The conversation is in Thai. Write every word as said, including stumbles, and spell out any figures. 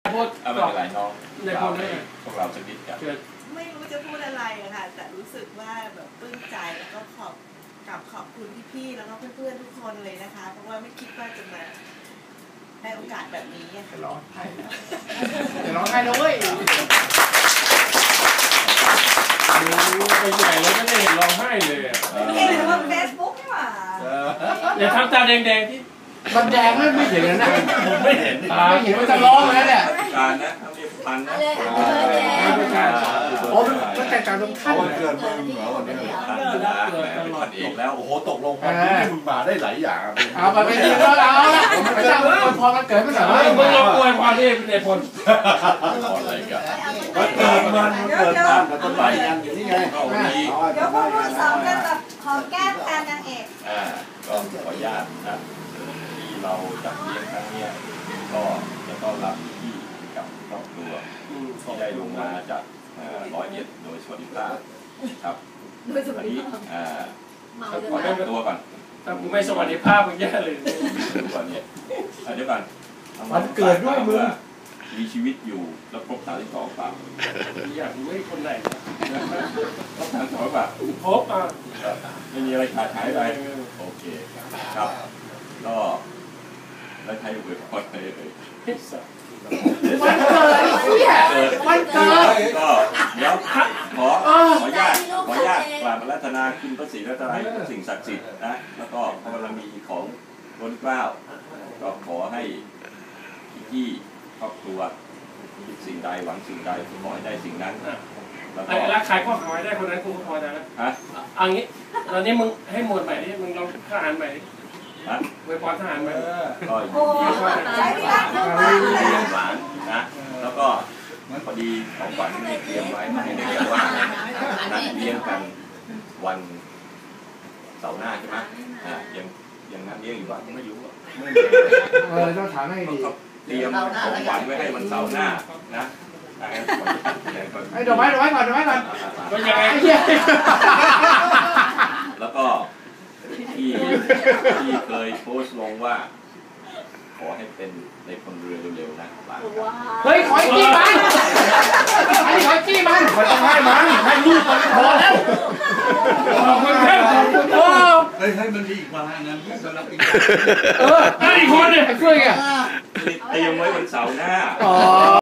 พูดเอาไม่เป็นไรน้องในคนนี้พวกเราสักนิดกันไม่รู้จะพูดอะไรอะค่ะแต่รู้สึกว่าแบบปลื้มใจแล้วก็ขอบกับขอบคุณพี่ๆแล้วก็เพื่อนๆทุกคนเลยนะคะเพราะว่าไม่คิดว่าจะมาได้โอกาสแบบนี้จะร้องไห้แล้วจะร้องไห้ด้วยไปใหญ่แล้วก็ได้เห็นร้องไห้เลยอ่ะไม่เห็นเลยว่าเฟซบุ๊กนี่หว่าอย่าทำตาแดงๆที่มันแดงไม่ไม่เห็นนะผมไม่เห็นไม่เห็นมันจะร้องแล้วเนี่ยการนะทำเรียบพันนะโอ้มันแตกต่างตรงขั้นวันเกิดมึงเหรอวันนี้พันนะเป็นพันเอกแล้วโอ้โหตกลงวันนี้มึงมาได้หลายอย่างเอาไปไปดีแล้วเอาละไม่ใช่พอมันเกิดไม่ใช่มึงลองอวยความที่ในพลอะไรกันวันเกิดมันเกิดตามกับต้นไม้ยันอยู่นี่ไงเดี๋ยวพวกคุณสองกันแบบขอแก้มแทนนางเอกอ่าก็ขออนุญาตนะที่เราจัดเลี้ยงครั้งนี้ก็จะต้อนรับพี่กับครอบครัวที่ได้ลงมาจากร้อยเอ็ดโดยสวัสดิภาพครับวันนี้อ่าขอแนะนำตัวก่อนถ้ากูไม่สวัสดิภาพมึงแย่เลยก่อนเนี่ยเดี๋ยวก่อนมันเกิดด้วยมึงมีชีวิตอยู่แล้วครบสามสิบสองป่าอยากรู้ไอ้คนไหนครบสามสิบสองป่าครบอ่ะไม่มีอะไรขาดหายไปโอเคครับก็แล้วใครเปิดพอดไปเลยมันเกิดมันเกิดก็เดี๋ยวขอขออนุญาตขออนุญาตกราบอาราธนาคุณพระศรีรัตนตรัยทุกสิ่งศักดิ์สิทธิ์นะแล้วก็พระบารมีของล้นเกล้าก็ขอให้พี่ครอบครัวคิดสิ่งใดหวังสิ่งใดขอให้ได้สิ่งนั้นแล้วก็รักใครก็ขอให้ได้คนนั้นกูก็พอแล้วฮะเอางี้ตอนนี้มึงให้หมวดใหม่ดิมึงลองทหารใหม่ดิฮะไว้พรทหารใหม่ก็โอ้ใจรักมากเลยหวานนะแล้วก็พอดีของขวัญที่เตรียมไว้ให้ในวันว่านัดเลี้ยงกันวันเสาร์หน้าใช่ไหมอ่ายังยังนัดเลี้ยงอยู่ว่าไม่รู้อ่ะเออต้องถามให้ดีเตรียมของขวัญไว้ให้วันเสาร์หน้านะไอ้ดอกไม้ดอกไม้ก่อนดอกไม้ก่อนก็ยังไงแล้วก็ที่ที่เคยโพสต์ลงว่าขอให้เป็นในคนเรือเร็วๆนะเฮ้ยขอจี้มันไอ้ขอจี้มันมันต้องให้มันให้ลูกมันพอแล้วขอบคุณแค่ขอบคุณโอ้เฮ้ยให้มันมีอีกมาแล้วนั้นสำหรับอีกเอออีกคนเนี่ยช่วยไงเตรียมไว้วันเสาร์หน้า